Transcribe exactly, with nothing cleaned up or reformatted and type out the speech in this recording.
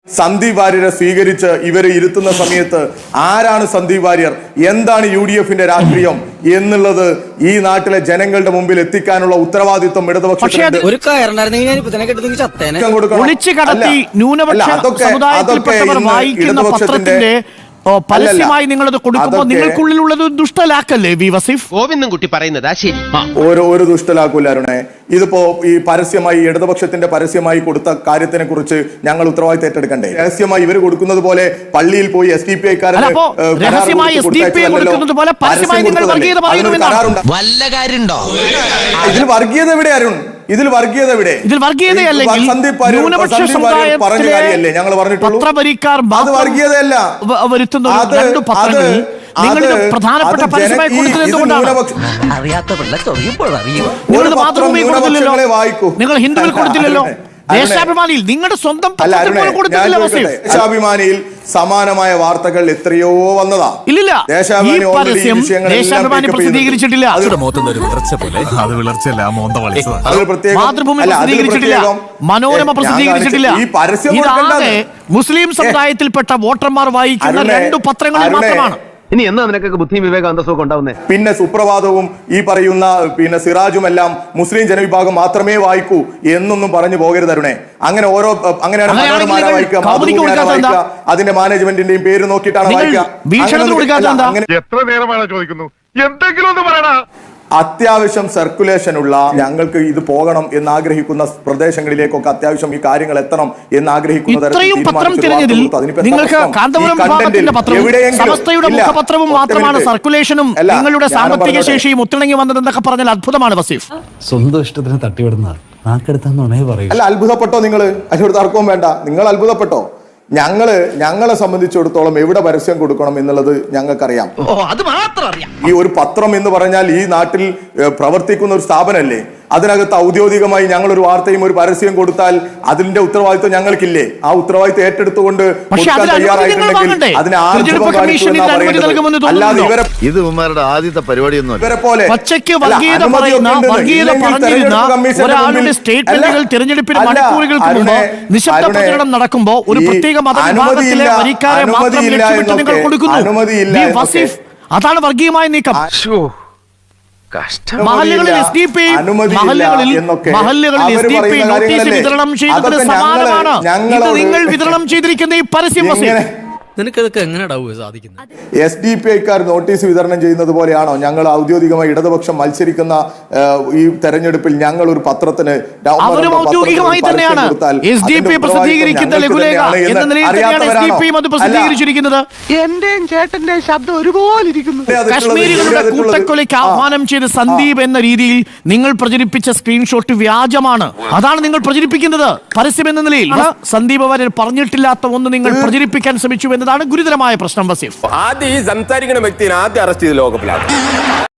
സന്ദീപ് വാര്യരെ സ്വീകരിച്ച് ഇവരെ ഇരുത്തുന്ന സമയത്ത് ആരാണ് സന്ദീപ് വാര്യർ, എന്താണ് യു ഡി എഫിന്റെ രാഷ്ട്രീയം എന്നുള്ളത് ഈ നാട്ടിലെ ജനങ്ങളുടെ മുമ്പിൽ എത്തിക്കാനുള്ള ഉത്തരവാദിത്വം ഇടതുപക്ഷത്തിന്റെ പരസ്യമായി നിങ്ങളത് കൊടുക്കുമ്പോൾ നിങ്ങൾക്കുള്ളിലുള്ളത് ദുഷ്ടലാക്കല്ലേ വി വസീഫ്? ഗോവിന്ദൻകുട്ടി പറയുന്നതാ ശരി. ഓരോ ഒരു ദുഷ്ടലാക്കൂല അരുണേ. ഇതിപ്പോ ഈ പരസ്യമായി ഇടതുപക്ഷത്തിന്റെ പരസ്യമായി കൊടുത്ത കാര്യത്തിനെ കുറിച്ച് ഞങ്ങൾ ഉത്തരവാദിത്തം ഏറ്റെടുക്കണ്ടേ? രഹസ്യമായി ഇവർ കൊടുക്കുന്നത് പോലെ പള്ളിയിൽ പോയി എസ് ഡി പി ഐക്കാരൻ ഇതിൽ വർഗീയത എവിടെ അരുൺ? ഇതിൽ വർഗീയത എവിടെ? ഇതിൽ വർഗീയതയല്ലെങ്കിൽ സന്ദീപ് പറഞ്ഞ കാര്യമല്ലേ ഞങ്ങൾ പറഞ്ഞിട്ടുള്ളൂ. അത് വർഗീയതയല്ല. നിങ്ങളുടെ പ്രധാനപ്പെട്ട പരസ്യമായി കൊടുത്തത് എന്തുകൊണ്ടാണ്? നിങ്ങൾ ഹിന്ദുവിൽ കൊടുത്തില്ലല്ലോ, ദേശാഭിമാനിയിൽ നിങ്ങളുടെ സ്വന്തം ദേശാഭിമാനിയിൽ സമാനമായ വാർത്തകൾ എത്രയോ വന്നതാ. ഇല്ലില്ല, ഈ പരസ്യം ദേശാഭിമാനി പ്രസിദ്ധീകരിച്ചിട്ടില്ല, മാതൃഭൂമി പ്രസിദ്ധീകരിച്ചിട്ടില്ല, മനോരമ പ്രസിദ്ധീകരിച്ചിട്ടില്ല. ഇതാകെ മുസ്ലിം സമുദായത്തിൽപ്പെട്ട വോട്ടർമാർ വായിക്കുന്ന രണ്ടു പത്രങ്ങളിൽ മാത്രമാണ്. ഇനി എന്നാ നിനക്കൊക്കെ ബുദ്ധിയും വിവേക അന്തസ്സൊക്കെ ഉണ്ടാവുന്നേ? പിന്നെ സുപ്രഭാതവും ഈ പറയുന്ന പിന്നെ സിറാജുമെല്ലാം മുസ്ലിം ജനവിഭാഗം മാത്രമേ വായിക്കൂ എന്നൊന്നും പറഞ്ഞു പോകരുത് അരുണേ. അങ്ങനെ ഓരോ അങ്ങനെയാണ് മനോരമ വായിക്കുക, അതിന്റെ മാനേജ്മെന്റിന്റെയും പേര് നോക്കിയിട്ടാണ് വായിക്കുക. എത്ര നേരമാണ് ചോദിക്കുന്നു, എന്തെങ്കിലും ഒന്ന് പറയണ. അത്യാവശ്യം സർക്കുലേഷൻ ഉള്ള, ഞങ്ങൾക്ക് ഇത് പോകണം എന്ന് ആഗ്രഹിക്കുന്ന പ്രദേശങ്ങളിലേക്കൊക്കെ അത്യാവശ്യം ഈ കാര്യങ്ങൾ എത്തണം എന്ന് ആഗ്രഹിക്കുന്ന മാത്രമാണ് സർക്കുലേഷനും നിങ്ങളുടെ സാമ്പത്തിക ശേഷിയും ഒത്തിണങ്ങി വന്നതെന്നൊക്കെ പറഞ്ഞാൽ അത്ഭുതമാണ് വസീഫ്. സ്വന്തം ഇഷ്ടത്തിന് തട്ടിവിടുന്ന അല്ല, അത്ഭുതപ്പെട്ടോ നിങ്ങൾ? അതിനോട് തർക്കവും വേണ്ട. നിങ്ങൾ അത്ഭുതപ്പെട്ടോ? ഞങ്ങള് ഞങ്ങളെ സംബന്ധിച്ചിടത്തോളം എവിടെ പരസ്യം കൊടുക്കണം എന്നുള്ളത് ഞങ്ങൾക്കറിയാം. ഈ ഒരു പത്രം എന്ന് പറഞ്ഞാൽ ഈ നാട്ടിൽ പ്രവർത്തിക്കുന്ന ഒരു സ്ഥാപനമല്ലേ. അതിനകത്ത് ഔദ്യോഗികമായി ഞങ്ങൾ ഒരു വാർത്തയും ഒരു പരസ്യം കൊടുത്താൽ അതിന്റെ ഉത്തരവാദിത്വം ഞങ്ങൾക്കില്ലേ? ആ ഉത്തരവാദിത്വം ഏറ്റെടുത്തുകൊണ്ട് തയ്യാറായിട്ടുണ്ടെങ്കിൽ അതിന് അല്ലാതെ ഇവരെ ഇത് ഉമ്മാരുടെ ആദ്യത്തെ പരിപാടിയൊന്നും ഇവരെ പോലെ തിരഞ്ഞെടുപ്പിന് മണിക്കൂറുകൾക്ക് മുമ്പ് നിശബ്ദ പ്രചരണം നടക്കുമ്പോൾ ഒരു പ്രത്യേക മതവിഭാഗത്തിലെ വരിക്കാരെ മാത്രം ലക്ഷ്യമിട്ട് നിങ്ങൾ കൊടുക്കുന്നു. വസീഫ്, അതാണ് വർഗീയമായ നീക്കം. മഹല്ലുകളിൽ എസ് ഡി പി മഹല്ലുകളിൽ എസ് ഡി പി നോട്ടീസ് വിതരണം ചെയ്തത് സമാനമാണ്. ഇത് നിങ്ങൾ വിതരണം ചെയ്തിരിക്കുന്ന ഈ പരസ്യം വസീഫ്, നിനക്കതൊക്കെ എങ്ങനെയാ സാധിക്കുന്നത്? എസ് ഡി പി ഐക്കാർ നോട്ടീസ് വിതരണം ചെയ്യുന്നത് പോലെയാണോ ഞങ്ങൾ ഔദ്യോഗികമായി ഇടതുപക്ഷം മത്സരിക്കുന്ന ഈ തെരഞ്ഞെടുപ്പിൽ ഞങ്ങൾ ഒരു പത്രത്തിന് ഔദ്യോഗികമായി തന്നെയാണ് എസ് ഡി പി പ്രസിദ്ധീകരിക്കുന്ന ലഘുലേഖ എന്ന നിലയിൽ തന്നെയാണ് എസ് ഡി പിയും അത് പ്രസിദ്ധീകരിച്ചിരിക്കുന്നത്. എന്റെയും ചേട്ടന്റെയും ശബ്ദം ഒരുപോലെ ഇരിക്കുന്നു. കശ്മീരികളുടെ കൂട്ടക്കൊലയ്ക്ക് ആഹ്വാനം ചെയ്ത സന്ദീപ് എന്ന രീതിയിൽ നിങ്ങൾ പ്രചരിപ്പിച്ച സ്ക്രീൻഷോട്ട് വ്യാജമാണ്. അതാണ് നിങ്ങൾ പ്രചരിപ്പിക്കുന്നത് പരസ്യം എന്ന നിലയിൽ. സന്ദീപ് വാര്യർ പറഞ്ഞിട്ടില്ലാത്ത ഒന്ന് നിങ്ങൾ പ്രചരിപ്പിക്കാൻ ശ്രമിച്ചു എന്നതാണ് ഗുരുതരമായ പ്രശ്നം വസീഫ്. ആദ്യം ഈ സംസാരിക്കുന്ന വ്യക്തിനെ ആദ്യം അറസ്റ്റ് ചെയ്ത് ലോകപ്പിലാണ്.